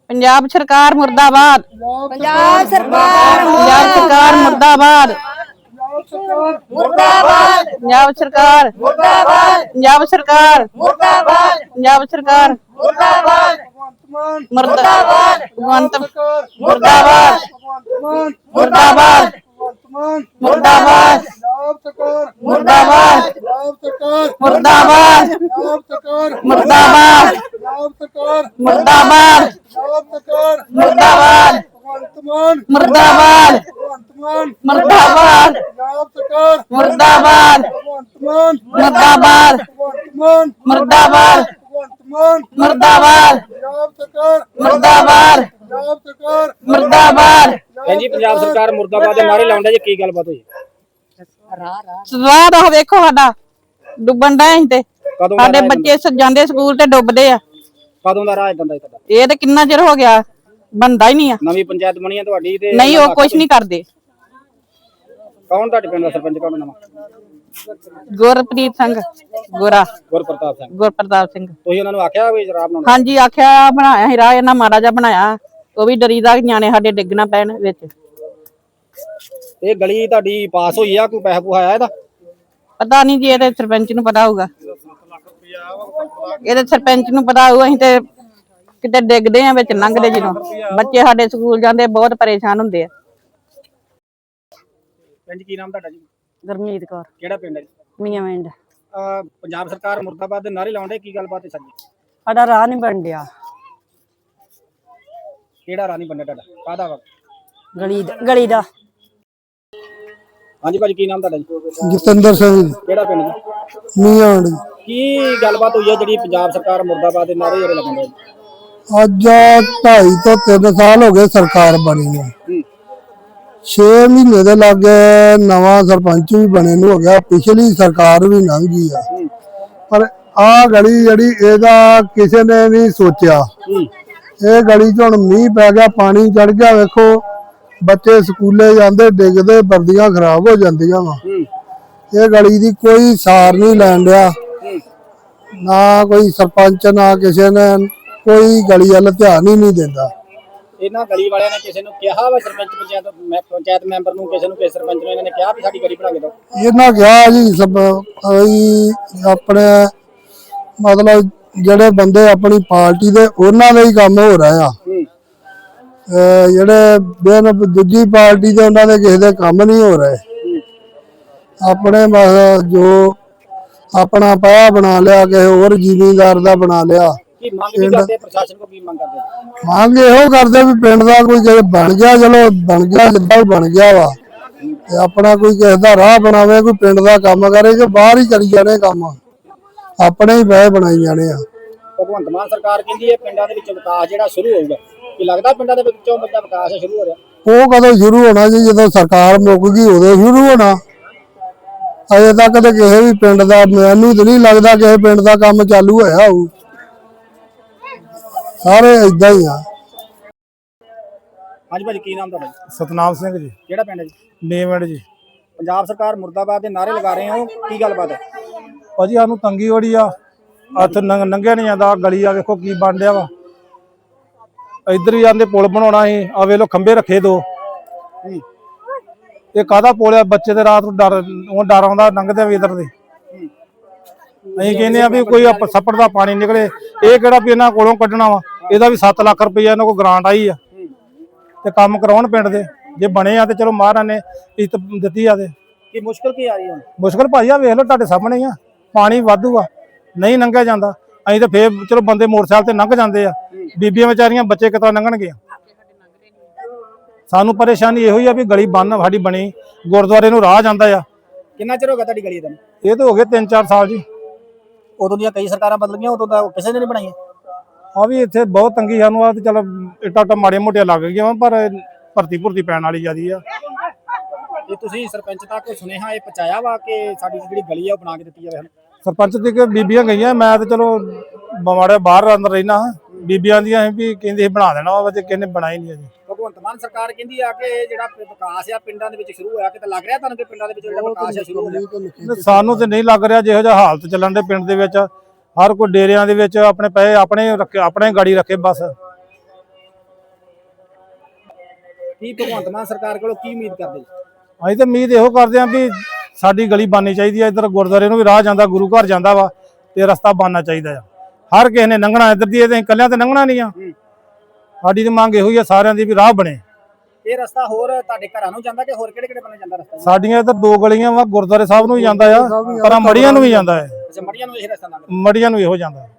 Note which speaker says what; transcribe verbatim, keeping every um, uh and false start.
Speaker 1: पंजाब सरकार मुर्दाबाद।
Speaker 2: पंजाब सरकार
Speaker 1: पंजाब सरकार मुर्दाबाद।
Speaker 2: मुर्दाबाद
Speaker 1: पंजाब सरकार
Speaker 2: मुर्दाबाद
Speaker 1: पंजाब सरकार
Speaker 2: मुर्दाबाद
Speaker 1: पंजाब सरकार
Speaker 2: मुर्दाबाद
Speaker 1: मुर्दाबाद भगवंत मुर्दाबाद मुर्दाबाद मुर्दाबाद मुर्दाबाद मुर्दाबाद मुर्दाबाद मुर्दाबाद मुर्दाबाद मुर्दाबाद मुर्दाबाद मुर्दाबाद मुर्दाबाद मुर्दाबाद मुर्दाबाद मुर्दाबाद मुर्दाबाद
Speaker 3: ਭੈਣ ਜੀ ਪੰਜਾਬ ਸਰਕਾਰ ਮੁਰਦਾਬਾਦ ਦੇ ਨਾਰੇ ਲਾਉਂਦਾ ਜੀ ਕੀ ਗੱਲਬਾਤ ਹੋਈ
Speaker 1: ਸਵਾਦ ਉਹ ਵੇਖੋ ਸਾਡਾ ਡੁੱਬਣ ਦਾ ਅਸੀਂ ਤੇ
Speaker 3: ਕਦੋਂ
Speaker 1: ਸਾਡੇ ਬੱਚੇ ਸ- ਜਾਂਦੇ ਸਕੂਲ ਤੇ ਡੁੱਬਦੇ ਆ।
Speaker 3: ਕਦੋਂ ਦਾ ਰਾਹ ਇਦਾਂ ਦਾ ਤੁਹਾਡਾ
Speaker 1: ਇਹ ਤੇ ਕਿੰਨਾ ਚਿਰ ਹੋ ਗਿਆ ਬੰਦਾ ਹੀ ਨਹੀਂ ਆ।
Speaker 3: ਨਵੀਂ ਪੰਚਾਇਤ ਬਣੀ ਹੈ ਤੁਹਾਡੀ ਤੇ
Speaker 1: ਨਹੀਂ ਉਹ ਕੁਝ ਨਹੀਂ ਕਰਦੇ।
Speaker 3: ਕੌਣ ਤੁਹਾਡੇ ਪਿੰਡ ਦਾ ਸਰਪੰਚ ਕੌਣ ਨਵਾਂ
Speaker 1: ਗੁਰਪ੍ਰੀਤ ਸਿੰਘ ਗੋਰਾ
Speaker 3: ਗੁਰਪ੍ਰਤਾਪ ਸਿੰਘ
Speaker 1: ਗੁਰਪ੍ਰਤਾਪ ਸਿੰਘ
Speaker 3: ਤੁਸੀਂ ਉਹਨਾਂ ਨੂੰ ਆਖਿਆ ਵੀ ਜਰਾਬ ਬਣਾਉਣਾ
Speaker 1: ਹਾਂਜੀ ਆਖਿਆ ਬਣਾਇਆ ਸੀ ਰਾਹ ਇਹਨਾਂ ਮਾੜਾ ਜਿਹਾ ਬਣਾਇਆ ਉਹ ਵੀ ਡਰੀਦਾ ਕਿ ਨਿਆਣੇ ਸਾਡੇ ਡਿੱਗਣਾ ਪੈਣ ਵਿੱਚ।
Speaker 3: ਇਹ ਗਲੀ ਤੁਹਾਡੀ ਪਾਸ ਹੋਈ ਆ ਕੋਈ ਪੈਸਾ ਪੂਹਾ ਆਇਆ ਇਹਦਾ
Speaker 1: ਪਤਾ ਨਹੀਂ ਜੀ ਇਹਦੇ ਸਰਪੰਚ ਨੂੰ ਪਤਾ ਹੋਊਗਾ ਇਹਦੇ ਸਰਪੰਚ ਨੂੰ ਪਤਾ ਹੋਊ। ਅਸੀਂ ਤੇ ਕਿਤੇ ਡਿੱਗਦੇ ਆ ਵਿੱਚ ਲੰਘਦੇ ਜਦੋਂ ਬੱਚੇ ਸਾਡੇ ਸਕੂਲ ਜਾਂਦੇ ਬਹੁਤ ਪਰੇਸ਼ਾਨ ਹੁੰਦੇ ਆ।
Speaker 3: ਪਿੰਡ ਕੀ ਨਾਮ ਤੁਹਾਡਾ ਜੀ
Speaker 1: ਗੁਰਮੀਤ ਕੌਰ
Speaker 3: ਕਿਹੜਾ ਪਿੰਡ ਹੈ ਜੀ
Speaker 1: ਮੀਆਂ ਪਿੰਡ
Speaker 3: ਅਹ ਪੰਜਾਬ ਸਰਕਾਰ ਮੁਰਦਾਬਾਦ ਦੇ ਨਾਰੇ ਲਾਉਂਦੇ ਕੀ ਗੱਲਬਾਤ ਹੈ ਸਾਡੀ
Speaker 1: ਸਾਡਾ ਰਾਹ ਨਹੀਂ ਬਣ ਡਿਆ
Speaker 3: ਕਿਹੜਾ ਰਾਹ ਨਹੀਂ ਬਣਿਆ ਤੁਹਾਡਾ ਕਾਹਦਾ ਵਾ
Speaker 1: ਗਲੀ ਗਲੀ ਦਾ।
Speaker 3: ਹਾਂਜੀ ਭਾਜੀ ਕੀ ਨਾਮ ਤੁਹਾਡਾ ਜੀ
Speaker 4: ਜਤਿੰਦਰ ਸਿੰਘ
Speaker 3: ਕਿਹੜਾ ਪਿੰਡ ਜੀ
Speaker 4: ਮੀਆਂ
Speaker 3: ਕੀ ਗੱਲਬਾਤ ਹੋਈ ਹੈ ਜਿਹੜੀ ਪੰਜਾਬ ਸਰਕਾਰ ਮੁਰਦਾਬਾਦ ਦੇ ਨਾਰੇ ਜਿਹੜੇ ਲੱਗਦੇ ਜੀ
Speaker 4: ਅੱਜ ਢਾਈ ਤੋਂ ਤਿੰਨ ਸਾਲ ਹੋ ਗਏ ਸਰਕਾਰ ਬਣੀ ਨੂੰ। ਛੇ ਮਹੀਨੇ ਦੇ ਲਾਗੇ ਨਵਾਂ ਸਰਪੰਚ ਵੀ ਬਣੇ ਨੂੰ ਹੋ ਗਿਆ। ਪਿਛਲੀ ਸਰਕਾਰ ਵੀ ਲੰਘ ਗਈ ਆ ਪਰ ਆ ਗਲੀ ਜਿਹੜੀ ਇਹਦਾ ਕਿਸੇ ਨੇ ਨਹੀਂ ਸੋਚਿਆ। ਇਹ ਗਲੀ 'ਚ ਹੁਣ ਮੀਂਹ ਪੈ ਗਿਆ ਪਾਣੀ ਚੜ ਗਿਆ ਵੇਖੋ ਬੱਚੇ ਸਕੂਲੇ ਜਾਂਦੇ ਡਿੱਗਦੇ ਵਰਦੀਆਂ ਖਰਾਬ ਹੋ ਜਾਂਦੀਆਂ ਵਾ। ਇਹ ਗਲੀ ਦੀ ਕੋਈ ਸਾਰ ਨਹੀਂ ਲੈਣ ਡਿਆ ਨਾ ਕੋਈ ਸਰਪੰਚ ਨਾ ਕਿਸੇ ਨੇ ਕੋਈ ਗਲੀ ਵੱਲ ਧਿਆਨ ਹੀ ਨਹੀਂ ਦਿੰਦਾ।
Speaker 3: ਇਹਨਾਂ ਗਲੀ ਵਾਲਿਆਂ ਨੇ ਕਿਸੇ ਨੂੰ ਕਿਹਾ ਵਾ ਸਰਪੰਚ ਪੰਚਾਇਤ ਮੈਂ ਪੰਚਾਇਤ ਮੈਂਬਰ ਨੂੰ ਕਿਸੇ ਨੂੰ ਕਿਸੇ ਸਰਪੰਚ ਨੂੰ ਇਹਨਾਂ ਨੇ ਕਿਹਾ ਵੀ ਸਾਡੀ ਗਲੀ ਬਣਾ ਕੇ ਦਿਓ
Speaker 4: ਇਹਨਾਂ ਕਿਹਾ ਜੀ ਸਭ ਕੋਈ ਆਪਣੇ ਮਤਲਬ ਜਿਹੜੇ ਬੰਦੇ ਆਪਣੀ ਪਾਰਟੀ ਦੇ ਉਹਨਾਂ ਦਾ ਹੀ ਕੰਮ ਹੋ ਰਿਹਾ ਆ। ਜਿਹੜੇ ਬਿਨ ਦੂਜੀ ਪਾਰਟੀ ਦੇ ਉਹਨਾਂ ਦੇ ਕਿਸੇ ਦੇ ਕੰਮ ਨਹੀਂ ਹੋ ਰਹੇ। ਆਪਣੇ ਜੋ ਆਪਣਾ ਪਾਇਆ ਬਣਾ ਲਿਆ ਕਿਸੇ ਹੋਰ ਜ਼ਿਮੀਂਦਾਰ ਦਾ ਬਣਾ ਲਿਆ।
Speaker 3: ਕੀ ਮੰਗ ਕੀ ਕਰਦੇ ਪ੍ਰਸ਼ਾਸਨ ਕੋ ਕੀ ਮੰਗ ਕਰਦੇ
Speaker 4: ਮੰਗ ਇਹੋ ਕਰਦੇ ਵੀ ਪਿੰਡ ਦਾ ਕੋਈ ਜੇ ਬਣ ਗਿਆ ਚਲੋ ਬਣ ਗਿਆ ਜਿੱਦਾਂ ਬਣ ਗਿਆ ਵਾ ਤੇ ਆਪਣਾ ਕੋਈ ਕਿਸੇ ਦਾ ਰਾਹ ਬਣਾਵੇ ਕੋਈ ਪਿੰਡ ਦਾ ਕੰਮ ਕਰੇ ਕਿ ਬਾਹਰ ਹੀ ਕਰੀ ਜਾਣੇ ਕੰਮ ਆਪਣੇ ਹੀ ਬਹਿ ਬਣਾਈ ਜਾਣੇ ਆ।
Speaker 3: ਭਗਵੰਤ ਮਾਨ ਸਰਕਾਰ ਕਹਿੰਦੀ ਹੈ ਪਿੰਡਾਂ ਦੇ ਵਿੱਚ ਵਿਕਾਸ ਜਿਹੜਾ ਸ਼ੁਰੂ ਹੋਊਗਾ ਕੀ ਲੱਗਦਾ ਪਿੰਡਾਂ ਦੇ ਵਿੱਚੋਂ ਬੱਚਾ ਵਿਕਾਸ ਸ਼ੁਰੂ ਹੋ ਰਿਹਾ
Speaker 4: ਉਹ ਕਦੋਂ ਸ਼ੁਰੂ ਹੋਣਾ ਜੀ ਜਦੋਂ ਸਰਕਾਰ ਮੁੱਕ ਗਈ ਉਦੋਂ ਸ਼ੁਰੂ ਹੋਣਾ। ਅਜੇ ਤੱਕ ਤੇ ਕਿਸੇ ਵੀ ਪਿੰਡ ਦਾ ਮੈਨੂੰ ਤਾਂ ਨਹੀਂ ਲੱਗਦਾ ਕਿਸੇ ਪਿੰਡ ਦਾ ਕੰਮ ਚਾਲੂ ਹੋਇਆ ਹੋਊ। ਸਾਰੇ ਏਦਾਂ ਹੀ ਆ।
Speaker 3: ਹਾਂਜੀ ਭਾਜੀ ਕੀ ਨਾਮ ਤੁਹਾਡਾ
Speaker 4: ਸਤਨਾਮ ਸਿੰਘ ਜੀ
Speaker 3: ਕਿਹੜਾ ਪਿੰਡ ਹੈ ਜੀ
Speaker 4: ਨੇਵੜ ਜੀ।
Speaker 3: ਪੰਜਾਬ ਸਰਕਾਰ ਮੁਰਦਾਬਾਦ ਦੇ ਨਾਰੇ ਲਗਾ ਰਹੇ ਹੋ ਕੀ ਗੱਲਬਾਤ ਹੈ
Speaker 4: ਭਾਜੀ ਸਾਨੂੰ ਤੰਗੀ ਬੜੀ ਆ ਹੱਥ ਨੰਗਿਆ ਨਹੀਂ ਜਾਂਦਾ। ਗਲੀ ਆ ਵੇਖੋ ਕੀ ਬਣ ਰਿਹਾ ਵਾ ਇੱਧਰ ਹੀ ਜਾਂਦੇ ਪੁਲ ਬਣਾਉਣਾ ਸੀ ਆ ਵੇਖ ਲੋ ਖੰਭੇ ਰੱਖੇ ਦੋ। ਇਹ ਕਾਹਦਾ ਪੁਲ ਆ ਬੱਚੇ ਦੇ ਰਾਤ ਨੂੰ ਡਰ ਉਹ ਡਰ ਆਉਂਦਾ ਲੰਘਦੇ ਵੀ ਇੱਧਰ ਦੇ। ਅਸੀਂ ਕਹਿੰਦੇ ਆ ਵੀ ਕੋਈ ਸੱਪੜ ਦਾ ਪਾਣੀ ਨਿਕਲੇ ਇਹ ਕਿਹੜਾ ਵੀ ਇਹਨਾਂ ਕੋਲੋਂ ਕੱਢਣਾ ਵਾ। ਇਹਦਾ ਵੀ ਸੱਤ ਲੱਖ ਰੁਪਈਆ ਇਹਨਾਂ ਕੋਲ ਗ੍ਰਾਂਟ ਆਈ ਆ ਤੇ ਕੰਮ ਕਰਾਉਣ ਪਿੰਡ ਦੇ ਜੇ ਬਣੇ ਆ ਤੇ ਚਲੋ ਮਹਾਰਾਜ ਨੇ ਇੱਜ਼ਤ ਦਿੱਤੀ ਆ ਤੇ
Speaker 3: ਕੀ ਮੁਸ਼ਕਲ ਕੀ ਆ ਰਹੀ ਹੈ
Speaker 4: ਮੁਸ਼ਕਲ ਭਾਈ ਆ ਵੇਖ ਲਓ ਤੁਹਾਡੇ ਸਾਹਮਣੇ ਆ ਪਾਣੀ ਵਾਧੂ ਆ ਨਹੀਂ ਲੰਘਿਆ ਜਾਂਦਾ। ਅਸੀਂ ਤਾਂ ਫੇਰ ਚਲੋ ਬੰਦੇ ਮੋਟਰਸਾਈਕਲ ਤੇ ਲੰਘ ਜਾਂਦੇ ਆ ਬੀਬੀਆਂ ਵਿਚਾਰੀਆਂ ਬੱਚੇ ਕਿਤੋਂ ਲੰਘਣਗੇ। ਸਾਨੂੰ ਪਰੇਸ਼ਾਨੀ ਇਹੋ ਹੀ ਆ ਵੀ ਗਲੀ ਬੰਨ ਸਾਡੀ ਬਣੀ ਗੁਰਦੁਆਰੇ ਨੂੰ ਰਾਹ ਜਾਂਦਾ ਆ।
Speaker 3: ਕਿੰਨਾ ਚਿਰ ਹੋ ਗਿਆ ਤੁਹਾਡੀ ਗਲੀ ਦਾ
Speaker 4: ਇਹ ਤਾਂ ਹੋ ਗਏ ਤਿੰਨ ਚਾਰ ਸਾਲ ਜੀ।
Speaker 3: ਉਦੋਂ ਦੀਆਂ ਕਈ ਸਰਕਾਰਾਂ ਬਦਲ ਗਈਆਂ ਉਦੋਂ ਦਾ ਕਿਸੇ ਨੇ ਨਹੀਂ ਬਣਾਈਆਂ।
Speaker 4: ਆ ਵੀ ਇੱਥੇ ਬਹੁਤ ਤੰਗੀ ਸਾਨੂੰ ਆ ਤੇ ਚਲ ਇੱਟਾਂ ਟਾ ਮਾੜੀਆਂ ਮੋਟੀਆਂ ਲੱਗ ਗਈਆਂ ਪਰ ਭਰਤੀ ਭੁਰਤੀ ਪੈਣ ਵਾਲੀ ਜਿਆਦੀ ਆ।
Speaker 3: ਇਹ ਤੁਸੀਂ ਸਰਪੰਚ ਤੱਕ ਸੁਨੇਹਾ ਇਹ ਪਹੁੰਚਾਇਆ ਵਾ ਕਿ ਸਾਡੀ ਜਿਹੜੀ ਗਲੀ ਆ ਉਹ ਬਣਾ ਕੇ ਦਿੱਤੀ ਜਾਵੇ।
Speaker 4: ਸਰਪੰਚ ਦੀ ਕਿ ਬੀਬੀਆਂ ਗਈਆਂ ਮੈਂ ਤੇ ਚਲੋ ਮਾੜੇ ਬਾਹਰ ਅੰਦਰ ਰਹਿਣਾ ਬੀਬੀਆਂ ਦੀਆਂ ਵੀ ਕਹਿੰਦੇ ਬਣਾ ਦੇਣਾ ਵਾ ਤੇ ਕਿਹਨੇ ਬਣਾਈ ਨਹੀਂ ਅਜੇ।
Speaker 3: ਭਗਵੰਤ ਮਾਨ ਸਰਕਾਰ ਕਹਿੰਦੀ ਆ ਕਿ ਜਿਹੜਾ ਵਿਕਾਸ ਆ ਪਿੰਡਾਂ ਦੇ ਵਿੱਚ ਸ਼ੁਰੂ ਹੋਇਆ ਕਿਤੇ ਲੱਗ ਰਿਹਾ ਤੁਹਾਨੂੰ ਕਿ ਪਿੰਡਾਂ ਦੇ ਵਿੱਚ ਜਿਹੜਾ ਵਿਕਾਸ ਆ ਸ਼ੁਰੂ ਹੋ ਰਿਹਾ।
Speaker 4: ਸਾਨੂੰ ਤੇ ਨਹੀਂ ਲੱਗ ਰਿਹਾ ਜਿਹੋ ਜਿਹਾ ਹਾਲਤ ਚੱਲਣ ਦੇ ਪਿੰਡ ਦੇ ਵਿੱਚ ਹਰ ਕੋਈ ਡੇਰਿਆਂ ਦੇ ਵਿੱਚ ਆਪਣੇ ਪੈਸੇ ਆਪਣੇ ਰੱਖੇ ਆਪਣੇ ਗਾੜੀ ਰੱਖੇ ਬਸ
Speaker 3: ਕੀ ਭਗਵੰਤ ਮਾਨ ਸਰਕਾਰ ਕੋਲੋਂ ਕੀ ਉਮੀਦ ਕਰਦੇ ਜੀ?
Speaker 5: ਅਸੀਂ ਤਾਂ ਉਮੀਦ ਇਹੋ ਕਰਦੇ ਆਂ ਵੀ ਸਾਡੀ ਗਲੀ ਬਣਨੀ ਚਾਹੀਦੀ ਆ, ਇੱਧਰ ਗੁਰਦੁਆਰੇ ਨੂੰ ਵੀ ਰਾਹ ਜਾਂਦਾ, ਗੁਰੂ ਘਰ ਜਾਂਦਾ ਵਾ, ਤੇ ਰਸਤਾ ਬਣਨਾ ਚਾਹੀਦਾ ਆ। ਹਰ ਕਿਸੇ ਨੇ ਲੰਘਣਾ ਇੱਧਰ ਦੀ, ਇਹ ਇਕੱਲਿਆਂ ਤੇ ਲੰਘਣਾ ਨਹੀਂ ਆ। ਸਾਡੀ ਤਾਂ ਮੰਗ ਇਹੋ ਹੀ ਆ ਸਾਰਿਆਂ ਦੀ ਵੀ ਰਾਹ ਬਣੇ।
Speaker 3: ਇਹ ਰਸਤਾ ਹੋਰ ਤੁਹਾਡੇ ਘਰਾਂ ਨੂੰ ਜਾਂਦਾ ਕਿ ਹੋਰ ਕਿਹੜੇ ਕਿਹੜੇ ਬੰਨੇ ਜਾਂਦਾ ਰਸਤਾ?
Speaker 5: ਸਾਡੀਆਂ ਇੱਧਰ ਦੋ ਗਲੀਆਂ ਵਾ, ਗੁਰਦੁਆਰੇ ਸਾਹਿਬ ਨੂੰ ਵੀ ਜਾਂਦਾ ਆ, ਪਰ ਮੜੀਆਂ ਨੂੰ ਵੀ ਜਾਂਦਾ ਹੈ,
Speaker 3: ਅੱਛਾ, ਮੜੀਆਂ ਨੂੰ ਇਹ ਰਸਤਾ ਨਾ
Speaker 5: ਮੜੀਆਂ ਨੂੰ ਇਹੋ ਜਾਂਦਾ।